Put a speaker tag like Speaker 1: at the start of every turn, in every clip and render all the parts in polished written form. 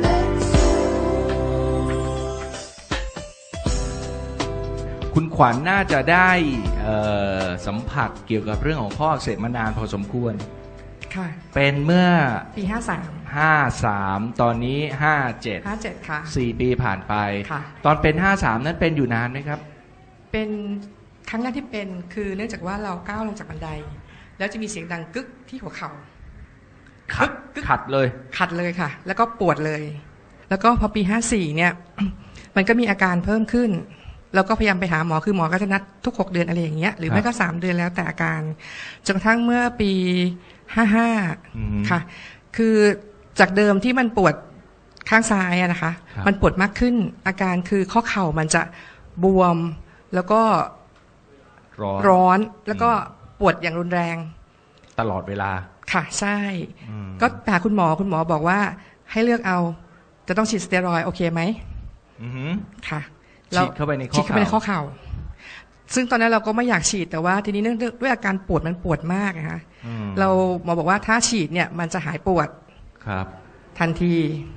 Speaker 1: คุณขวัญน่าจะได้สัมผัสเกี่ยวกับเรื่องของข้ออักเสบมานานพอสมควร
Speaker 2: ค่ะ
Speaker 1: เป็นเมื่อ
Speaker 2: ปี
Speaker 1: 53ตอนนี้57
Speaker 2: ค่ะ
Speaker 1: 4 ปีผ่านไป
Speaker 2: ค่ะ
Speaker 1: ตอนเป็น53นั้นเป็นอยู่นานไหมครับ
Speaker 2: เป็นครั้งแรกที่เป็นคือเนื่องจากว่าเราก้าวลงจากบันไดแล้วจะมีเสียงดังกึกที่หัวเข่า
Speaker 1: ขัดเลย
Speaker 2: ค่ะแล้วก็ปวดเลยแล้วก็พอปี54เนี่ย มันก็มีอาการเพิ่มขึ้นเราก็พยายามไปหาหมอคือหมอก็จะนัดทุก6 เดือนอะไรอย่างเงี้ยหรือไม่ก็3 เดือนแล้วแต่อาการจนกระทั่งเมื่อปี55ค่ะคือจากเดิมที่มันปวดข้างซ้ายนะคะมันปวดมากขึ้นอาการคือข้อเข่ามันจะบวมแล้วก็ร้อนแล้วก็ปวดอย่างรุนแรง
Speaker 1: ตลอดเวลา
Speaker 2: ค่ะใช่ก็หาคุณหมอบอกว่าให้เลือกเอาจะต้องฉีดสเตียรอยด์โอเคไหมค่ะ
Speaker 1: ฉีดเข้าไปในข้อ
Speaker 2: เข่าซึ่งตอนนั้นเราก็ไม่อยากฉีดแต่ว่าทีนี้เนื่องด้วยอาการปวดมันปวดมากนะคะเราหมอบอกว่าถ้าฉีดเนี่ยมันจะหายปวด
Speaker 1: ครับ
Speaker 2: ทันที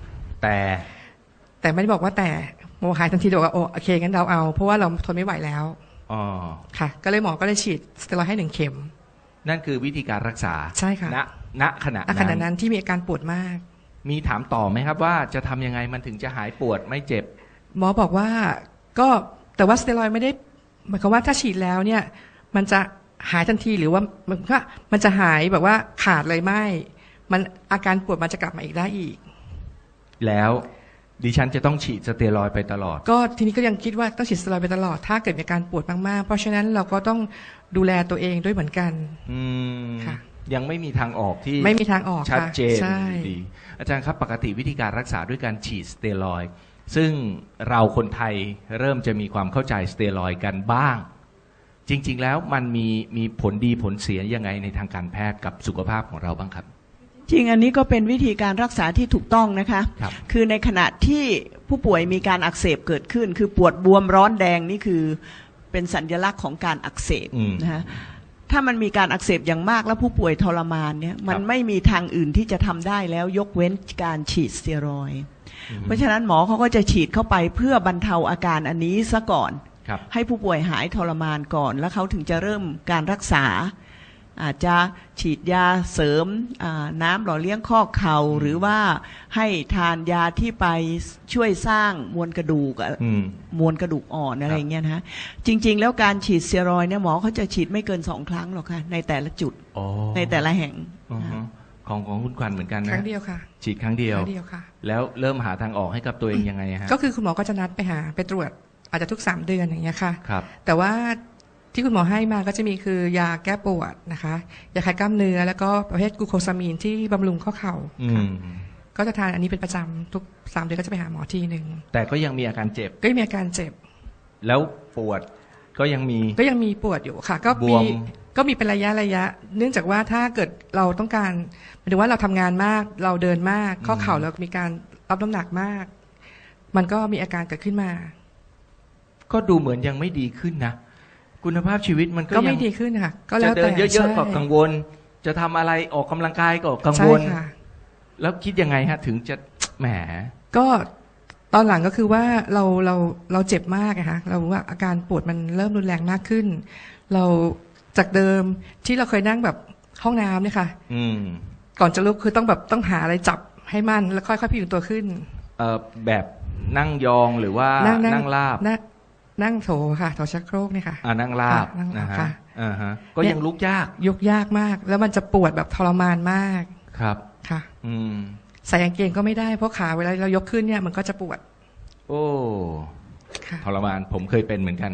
Speaker 1: แต่
Speaker 2: ไม่ได้บอกว่าแต่หมอหายทันทีบอกว่าโอเคงั้นเราเอาเพราะว่าเราทนไม่ไหวแล้วค่ะก็เลยหมอก็เลยฉีดสเตียรอยด์ให้1 เข็ม
Speaker 1: นั่นคือวิธีการรักษา
Speaker 2: ใช่ค่ะ
Speaker 1: ณขณะ
Speaker 2: นั้นที่มีอาการปวดมาก
Speaker 1: มีถามต่อไหมครับว่าจะทำยังไงมันถึงจะหายปวดไม่เจ็บ
Speaker 2: หมอบอกว่าก็แต่ว่าสเตียรอยด์ไม่ได้หมายความว่าถ้าฉีดแล้วเนี่ยมันจะหายทันทีหรือว่ามันจะหายแบบว่าขาดเลยไม่มันอาการปวดมันจะกลับมาอีกได้อีก
Speaker 1: แล้วดิฉันจะต้องฉีดสเตียรอยด์ไปตลอด
Speaker 2: ก็ทีนี้ก็ยังคิดว่าต้องฉีดสเตียรอยด์ไปตลอดถ้าเกิดมีอาการปวดมากๆเพราะฉะนั้นเราก็ต้องดูแลตัวเองด้วยเหมือนกัน
Speaker 1: ค่ะยังไม่มีทางออกที่
Speaker 2: ไม่มีทางออก
Speaker 1: ชัดเจนดีอาจารย์ครับปกติวิธีการรักษาด้วยการฉีดสเตียรอยด์ซึ่งเราคนไทยเริ่มจะมีความเข้าใจสเตียรอยด์กันบ้างจริงๆแล้วมันมีผลดีผลเสียยังไงในทางการแพทย์กับสุขภาพของเราบ้างครับ
Speaker 3: จริงอันนี้ก็เป็นวิธีการรักษาที่ถูกต้องนะคะคือในขณะที่ผู้ป่วยมีการอักเสบเกิดขึ้นคือปวดบวมร้อนแดงนี่คือเป็นสัญลักษณ์ของการอักเสบนะคะถ้ามันมีการอักเสบอย่างมากแล้วผู้ป่วยทรมานเนี่ยมันไม่มีทางอื่นที่จะทำได้แล้วยกเว้นการฉีดสเตียรอยด์เพราะฉะนั้นหมอเขาก็จะฉีดเข้าไปเพื่อบรรเทาอาการอันนี้ซะก่อนให้ผู้ป่วยหายทรมานก่อนแล้วเขาถึงจะเริ่มการรักษาอาจจะฉีดยาเสริมน้ำหล่อเลี้ยงข้อเข่าหรือว่าให้ทานยาที่ไปช่วยสร้างมวลกระดูกอ่อนอะไรเงี้ยนะจริงๆแล้วการฉีดสเตียรอยด์เนี่ยหมอเขาจะฉีดไม่เกิน2 ครั้งหรอกค่ะในแต่ละจุดในแต่ละแห่ง
Speaker 1: ของคุณขวัญเหมือนกันนะ
Speaker 2: ครั้งเดียวค่ะ
Speaker 1: ฉีดครั้งเดียว
Speaker 2: ค่ะ
Speaker 1: แล้วเริ่มหาทางออกให้กับตัวเองยังไงฮะ
Speaker 2: ก็คือคุณหมอก็จะนัดไปตรวจอาจจะทุก3 เดือนอย่างเงี้ยค่ะ
Speaker 1: ครับ
Speaker 2: แต่ว่าที่คุณหมอให้มาก็จะมีคือยาแก้ปวดนะคะยาคลายกล้ามเนื้อแล้วก็ประเภทกลูโคซามีนที่บำรุงข้อเข่าก็จะทานอันนี้เป็นประจำทุก3 เดือนก็จะไปหาหมอทีนึง
Speaker 1: แต่ก็ยังมีอาการเจ็บ
Speaker 2: ก็มีอาการเจ็บ
Speaker 1: แล้วปวดก็ยังมี
Speaker 2: ปวดอยู่ค่ะก็มีเป็นระยะเนื่องจากว่าถ้าเกิดเราต้องการหมายถึงว่าเราทำงานมากเราเดินมากข้อเข่าเรามีการรับน้ำหนักมากมันก็มีอาการเกิดขึ้นมา
Speaker 1: ก็ดูเหมือนยังไม่ดีขึ้นนะคุณภาพชีวิตมันก็
Speaker 2: ไม่ดีขึ้นค่ะก็แล้ว
Speaker 1: แต่จะเดินเยอะๆก็กังวลจะทำอะไรออกกำลังกายก็กังวลแล้วคิดยังไงฮะถึงจะแหม
Speaker 2: ก็ตอนหลังก็คือว่าเราเจ็บมากนะคะเราว่าอาการปวดมันเริ่มรุนแรงมากขึ้นเราจากเดิมที่เราเคยนั่งแบบห้องน้ำเนี่ยค่ะก่อนจะลุกคือต้องหาอะไรจับให้มั่นแล้วค่อยๆพยุงตัวขึ้น
Speaker 1: แบบนั่งยองหรือว่านั่งราบ
Speaker 2: นั่งโถค่ะโถชักโครกเนี่ยค่ะ
Speaker 1: นั่งราบนะฮะก็ยังลุกย
Speaker 2: ากมากแล้วมันจะปวดแบบทรมานมาก
Speaker 1: ครับ
Speaker 2: ค่ะใส่กางเกงก็ไม่ได้เพราะขาเวลาเรายกขึ้นเนี่ยมันก็จะปวด
Speaker 1: โอ้ทรมานผมเคยเป็นเหมือนกัน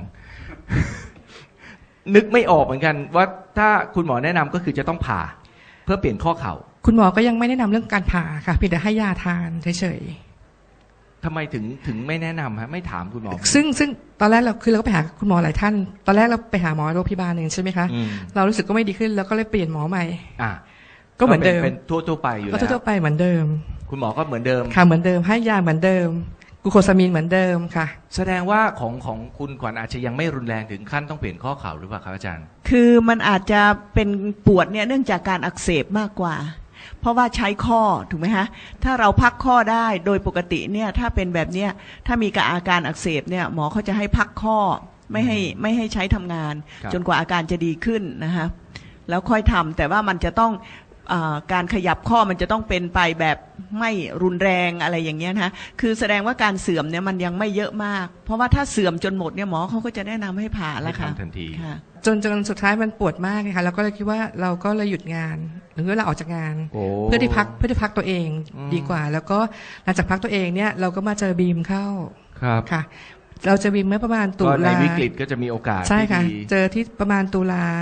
Speaker 1: นึกไม่ออกเหมือนกันว่าถ้าคุณหมอแนะนำก็คือจะต้องผ่าเพื่อเปลี่ยนข้อเข่า
Speaker 2: คุณหมอก็ยังไม่แนะนำเรื่องการผ่าค่ะเพียงแต่ให้ยาทานเฉย
Speaker 1: ทำไมถึงไม่แนะนำฮะไม่ถามคุณหมอ
Speaker 2: ซึ่งตอนแรกเราก็ไปหาคุณหมอหลายท่านตอนแรกเราไปหาหมอโรงพยาบาลหนึ่งใช่ไหมคะเรารู้สึกก็ไม่ดีขึ้นแล้วก็เลยเปลี่ยนหมอใหม่ก็เหมือนเดิม
Speaker 1: เป็นทั่วไปอยู่แล้ว
Speaker 2: ทั่วไปเหมือนเดิม
Speaker 1: คุณหมอก็เหมือนเดิม
Speaker 2: ค่ะเหมือนเดิมให้ยาเหมือนเดิมกลูโคซามีนเหมือนเดิมค่ะ
Speaker 1: แสดงว่าของคุณขวัญอาจจะยังไม่รุนแรงถึงขั้นต้องเปลี่ยนข้อเข่าหรือเปล่าครับอาจารย์
Speaker 3: คือมันอาจจะเป็นปวดเนี่ยเนื่องจากการอักเสบมากกว่าเพราะว่าใช้ข้อถูกไหมฮะถ้าเราพักข้อได้โดยปกติเนี่ยถ้าเป็นแบบเนี้ยถ้ามีอาการอักเสบเนี่ยหมอเขาจะให้พักข้อไม่ให้ใช้ทำงานจนกว่าอาการจะดีขึ้นนะคะแล้วค่อยทำแต่ว่ามันจะต้องการขยับข้อมันจะต้องเป็นไปแบบไม่รุนแรงอะไรอย่างเงี้ยนะคือแสดงว่าการเสื่อมเนี่ยมันยังไม่เยอะมากเพราะว่าถ้าเสื่อมจนหมดเนี่ยหมอเขาก็จะแนะนำให้ผ่าแล้วค่ะ
Speaker 1: ทันที
Speaker 2: จนสุดท้ายมันปวดมากเลยค่ะเราก็เลยคิดว่าเราก็เลยหยุดงานหรือว่าเราออกจากงานเพื่อที่พักตัวเองดีกว่าแล้วก็หลังจากพักตัวเองเนี่ยเราก็มาเจอบีมเข้า
Speaker 1: ครับ
Speaker 2: ค่ะเราจะบีมเมื่อประมาณตุลา
Speaker 1: ในวิกฤตก็จะมีโอกาส
Speaker 2: ใช่ค่ะเจอที่ประมาณตุลา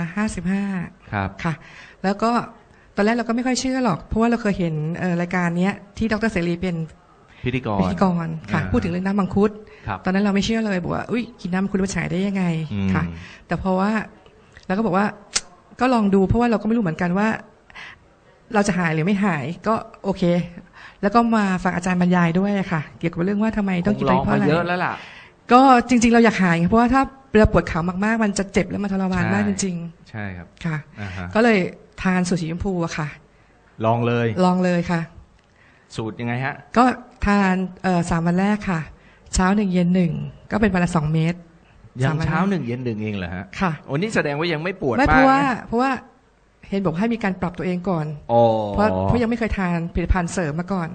Speaker 2: 55
Speaker 1: ครับ
Speaker 2: ค่ะแล้วก็ตอนแรกเราก็ไม่ค่อยเชื่อหรอกเพราะว่าเราเคยเห็นรายการนี้ที่ดร.เสรีเป็น
Speaker 1: พิธีกร
Speaker 2: ค่ะพูดถึงเรื่องน้ำมังคุดตอนนั้นเราไม่เชื่อเลยบอกว่าอุ้ยกินน้ำมังคุดมันฉายได้ยังไงค่ะแต่เพราะว่าเราก็บอกว่าก็ลองดูเพราะว่าเราก็ไม่รู้เหมือนกันว่าเราจะหายหรือไม่หายก็โอเคแล้วก็มาฟังอาจารย์บรรยายด้วยค่ะเกี่ยวกับเรื่องว่าทำไมต้องกินไปเพราะอะไร
Speaker 1: เยอะแล้วล่ะ
Speaker 2: ก็จริงๆเราอยากหายเพราะว่าถ้าเราปวดเข่ามากๆมันจะเจ็บและมันทรมานมากจริง
Speaker 1: ๆใช่ครับ
Speaker 2: ค่ะก็เลยทานสูตรสีชมพูอะค่ะ
Speaker 1: ลองเลย
Speaker 2: ค่ะ
Speaker 1: สูตรยังไงฮะ
Speaker 2: ก็ทาน3 วันแรกค่ะเช้า1เย็น1ก็เป็นวันละ2 เม็ด
Speaker 1: ยังเช้า1เย็น1เองเหรอฮะ
Speaker 2: ค่ะ
Speaker 1: โอ้นี่แสดงว่ายังไม่ปวด
Speaker 2: มากเพราะว่าเห็นบอกให้มีการปรับตัวเองก่อนเพราะยังไม่เคยทานผลิตภัณฑ์เสริมมาก่อน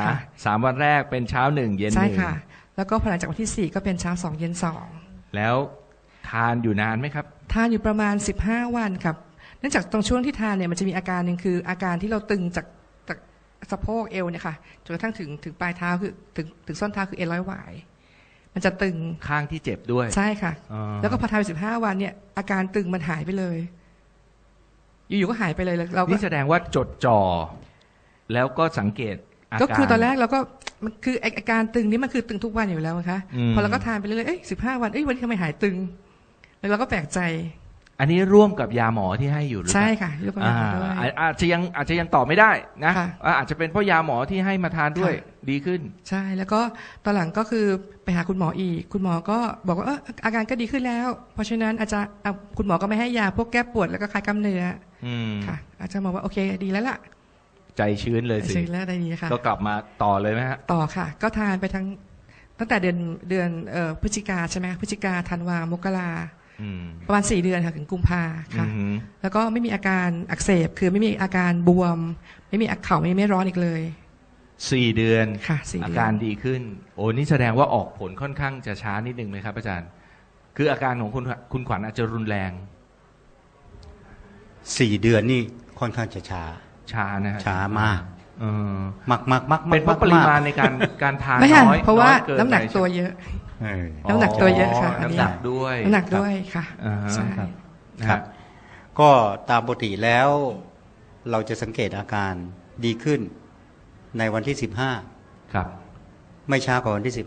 Speaker 1: 3 วันแรกเป็นเช้า1เย็น1
Speaker 2: ใช่ค่ะแล้วก็พอหลังจากวันที่4ก็เป็นเช้า2เย็น2
Speaker 1: แล้วทานอยู่นานไหมครับ
Speaker 2: ทานอยู่ประมาณ15 วันครับเนื่องจากตรงช่วงที่ทานเนี่ยมันจะมีอาการหนึ่งคืออาการที่เราตึงจากสะโพกเอวเนี่ยค่ะจนกระทั่งถึงปลายเท้าคือถึงส้นเท้าคือเอ็นร้อยหวายมันจะตึง
Speaker 1: ข้างที่เจ็บด้วย
Speaker 2: ใช่ค่ะแล้วก็พอทานไป15 วันเนี่ยอาการตึงมันหายไปเลยอยู่ๆก็หายไปเลยเรา
Speaker 1: นี่แสดงว่าจดจ่อแล้วก็สังเกตอาการ
Speaker 2: ก็คือตอนแรกเราก็มันคืออาการตึงนี้มันคือตึงทุกวันอยู่แล้วนะคะพอเราก็ทานไปเรื่อยๆ15 วันวันนี้ทำไมหายตึงแล้วเราก็แปลกใจ
Speaker 1: อันนี้ร่วมกับยาหมอที่ให้อยู่หรือเปล่า
Speaker 2: ใช่ค่ะร่วมกับยาหมอด้วย
Speaker 1: อาจจะยังตอบไม่ได้นะอาจจะเป็นเพราะยาหมอที่ให้มาทานด้วยดีขึ้น
Speaker 2: ใช่แล้วก็ตอนหลังก็คือไปหาคุณหมออีกคุณหมอก็บอกว่าอาการก็ดีขึ้นแล้วเพราะฉะนั้นอาจจะคุณหมอก็ไม่ให้ยาพวกแก้ปวดแล้วก็คลายกล้ามเนื้อค่ะอาจจะบอกว่าโอเคดีแล้วล่ะ
Speaker 1: ใจชื้นเลยสิ
Speaker 2: ชื้นแล้วได้ดีค่ะ
Speaker 1: ก็กลับมาต่อเลยไหมฮะ
Speaker 2: ต่อค่ะก็ทานไปตั้งแต่เดือนพฤศจิกาใช่ไหมพฤศจิกาธันวามกราประมาณ4 เดือนค่ะถึงกุมภาค่ะแล้วก็ไม่มีอาการอักเสบคือไม่มีอาการบวมไม่มีเข่าไม่ร้อนอีกเลย
Speaker 1: 4 เดือน
Speaker 2: ค่ะ
Speaker 1: อาการดีขึ้นโอ้นี่แสดงว่าออกผลค่อนข้างจะช้านิดนึงไหมครับอาจารย์คืออาการของคุณขวัญอาจจะรุนแรง
Speaker 4: 4 เดือนนี่ค่อนข้างจะช้า
Speaker 1: นะ
Speaker 4: ช้ามากมาก
Speaker 1: เป็นเพราะปริมาณในการทานน้อย
Speaker 2: เพราะว่าน้ำหนักตัวเยอะน้ำหนักตัวเยอะค่ะ
Speaker 1: น้ำหนักด้วย
Speaker 2: ค่ะ
Speaker 4: ใช่ครับก็ตามปกติแล้วเราจะสังเกตอาการดีขึ้นในวันที่15
Speaker 1: ครับ
Speaker 4: ไม่ช้ากว่าวันที่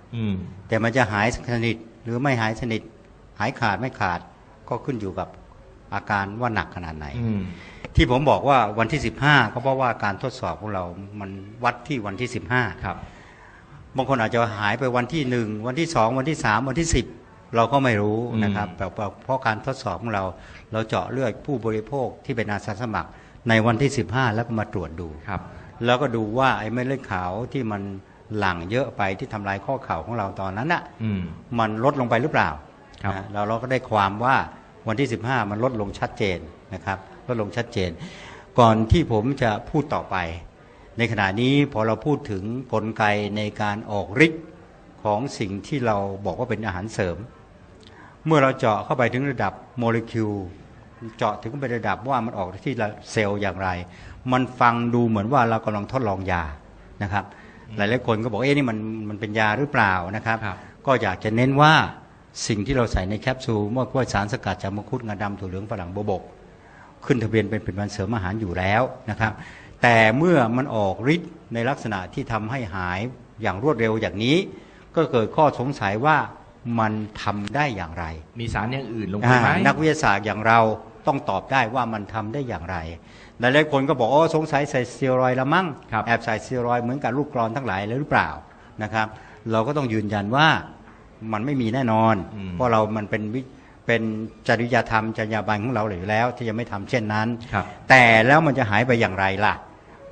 Speaker 4: 15แต่มันจะหายสนิทหรือไม่หายสนิทหายขาดไม่ขาดก็ขึ้นอยู่กับอาการว่าหนักขนาดไหนที่ผมบอกว่าวันที่15ก็เพราะว่าการทดสอบของเรามันวัดที่วันที่15
Speaker 1: ครับ
Speaker 4: บางคนอาจจะหายไปวันที่1วันที่2วันที่3วันที่10เราก็ไม่รู้นะครับเพราะการทดสอบของเราเจาะเลือดผู้บริโภคที่เป็นอาสาสมัครในวันที่15แล้วก็มาตรวจดู
Speaker 1: ครับ
Speaker 4: แล้วก็ดูว่าไอ้เม็ดเลือดขาวที่มันหลั่งเยอะไปที่ทำลายข้อเข่าของเราตอนนั้นน่ะมันลดลงไปหรือเปล่าเราก็ได้ความว่าวันที่15มันลดลงชัดเจนนะครับลดลงชัดเจนก่อนที่ผมจะพูดต่อไปในขณะนี้พอเราพูดถึงกลไกในการออกฤทธิ์ของสิ่งที่เราบอกว่าเป็นอาหารเสริมเมื่อเราเจาะเข้าไปถึงระดับโมเลกุลเจาะถึงไประดับว่ามันออกที่เซลล์อย่างไรมันฟังดูเหมือนว่าเรากำลังทดลองยานะครับหลายๆคนก็บอกนี่มันเป็นยาหรือเปล่านะครับก็อยากจะเน้นว่าสิ่งที่เราใส่ในแคปซูลเมื่อว่าสารสกัดจากมังคุดงาดำถั่วเหลืองฝรั่งโบวบกขึ้นทะเบียนเป็นผลิตภัณฑ์เสริมอาหารอยู่แล้วนะครับแต่เมื่อมันออกฤทธิ์ในลักษณะที่ทำให้หายอย่างรวดเร็วอย่างนี้ก็เกิดข้อสงสัยว่ามันทำได้อย่างไร
Speaker 1: มีสารอย่างอื่นลงไปไหม
Speaker 4: นักวิทยาศาสตร์อย่างเราต้องตอบได้ว่ามันทำได้อย่างไรหลายๆคนก็บอกสงสัยใส่สเตียรอยด์ละมั้งแอบใส่สเตียรอยด์เหมือนกับลูกกรอนทั้งหลายเลยหรือเปล่านะครับเราก็ต้องยืนยันว่ามันไม่มีแน่นอนเพราะเรามันเป็นจริยธรรมจรรยาบรรณของเราอยู่แล้วที่จะไม่ทำเช่นนั้นแต่แล้วมันจะหายไปอย่างไรล่ะ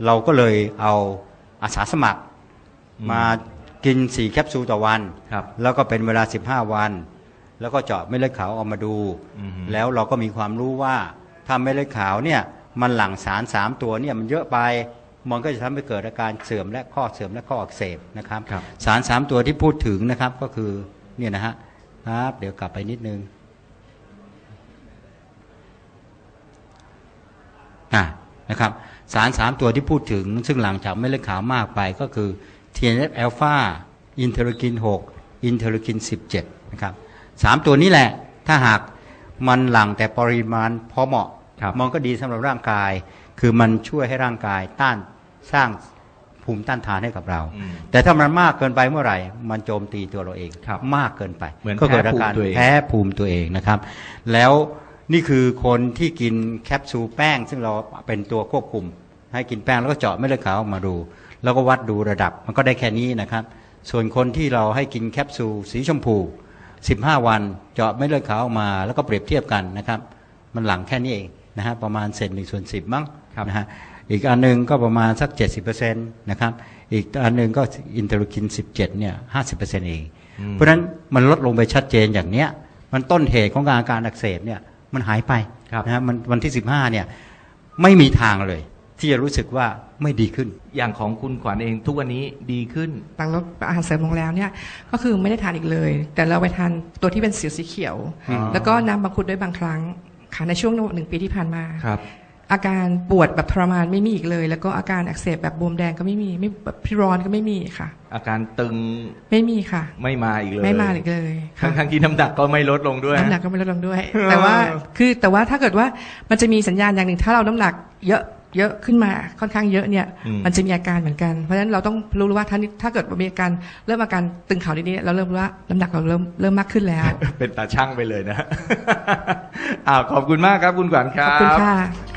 Speaker 4: เราก็เลยเอาอาสาสมัครมากิน4แคปซูลต่อวันแล้วก็เป็นเวลา15วันแล้วก็เจาะเม็ดเลือดขาวออกมาดูแล้วเราก็มีความรู้ว่าถ้าเม็ดเลือดขาวเนี่ยมันหลั่งสาร3ตัวเนี่ยมันเยอะไปมันก็จะทำให้เกิดอาการเสื่อมและข้อเสื่อมและข้ออักเสบนะครับสาร3ตัวที่พูดถึงนะครับก็คือเนี่ยนะฮะครับเดี๋ยวกลับไปนิดนึงนะครับสาร3ตัวที่พูดถึงซึ่งหลังจากเม็ดเลือดขาวมากไปก็คือ TNF อ l p h a อินเทอร์คิน6อินเทอร์คิน17นะครับ3ตัวนี้แหละถ้าหากมันหลั่งแต่ปริมาณพอเหมาะมันก็ดีสำหรับร่างกายคือมันช่วยให้ร่างกายสร้างภูมิต้านทานให้กับเราแต่ถ้ามันมากเกินไปเมื่อไหร่มันโจมตีตัวเราเองมากเกินไปก็เกิดอาการแพ้ภูมิตัวเองนะครับแล้วนี่คือคนที่กินแคปซูลแป้งซึ่งเราเป็นตัวควบคุมให้กินแป้งแล้วก็เจาะเม็ดเลือดขาวออกมาดูแล้วก็วัดดูระดับมันก็ได้แค่นี้นะครับส่วนคนที่เราให้กินแคปซูลสีชมพู15วันเจาะเม็ดเลือดขาวออกมาแล้วก็เปรียบเทียบกันนะครับมันหลั่งแค่นี้เองนะฮะประมาณ1/10มั้งนะฮะอีกอันนึงก็ประมาณสัก 70% นะครับอีกอันนึงก็อินเทอร์คิน17เนี่ย 50% เองเพราะฉะนั้นมันลดลงไปชัดเจนอย่างเนี้ยมันต้นเหตุของอาการอักเสบเนี่ยมันหายไปนะฮะมันวันที่15เนี่ยไม่มีทางเลยที่จะรู้สึกว่าไม่ดีขึ้น
Speaker 1: อย่างของคุณขวัญเองทุกวันนี้ดีขึ้น
Speaker 2: หลังลดอาหารเสริมลงแล้วเนี่ยก็คือไม่ได้ทานอีกเลยแต่เราไปทานตัวที่เป็นสีเขียวแล้วก็น้ำมังคุดด้วยบางครั้งค่ะในช่วง1 ปีที่ผ่านมาอาการปวดแบบทรมานไม่มีอีกเลยแล้วก็อาการอักเสบแบบบวมแดงก็ไม่มีไม่แบบพิร้อนก็ไม่มีค่ะ
Speaker 1: อาการตึง
Speaker 2: ไม่มีค่ะ
Speaker 1: ไม่มาอีกเลย
Speaker 2: ไม่มาอีกเลย
Speaker 1: ทั้งที่น้ำหนักก็ไม่ลดลงด้วย
Speaker 2: น้ำหนักก็ไม่ลดลงด้วยแต่ว่าถ้าเกิดว่ามันจะมีสัญญาณอย่างหนึ่งถ้าเราน้ำหนักเยอะขึ้นมาค่อนข้างเยอะเนี่ยมันจะมีอาการเหมือนกันเพราะฉะนั้นเราต้องรู้ว่าถ้าเกิดมีอาการเริ่มอาการตึงเข่านิดๆเราเริ่มรู้ว่าน้ำหนักเราเริ่มมากขึ้นแล้ว
Speaker 1: เป็นตาช่างไปเลยนะขอบคุณมากครับคุณขวัญครับ
Speaker 2: ขอบคุณค่ะ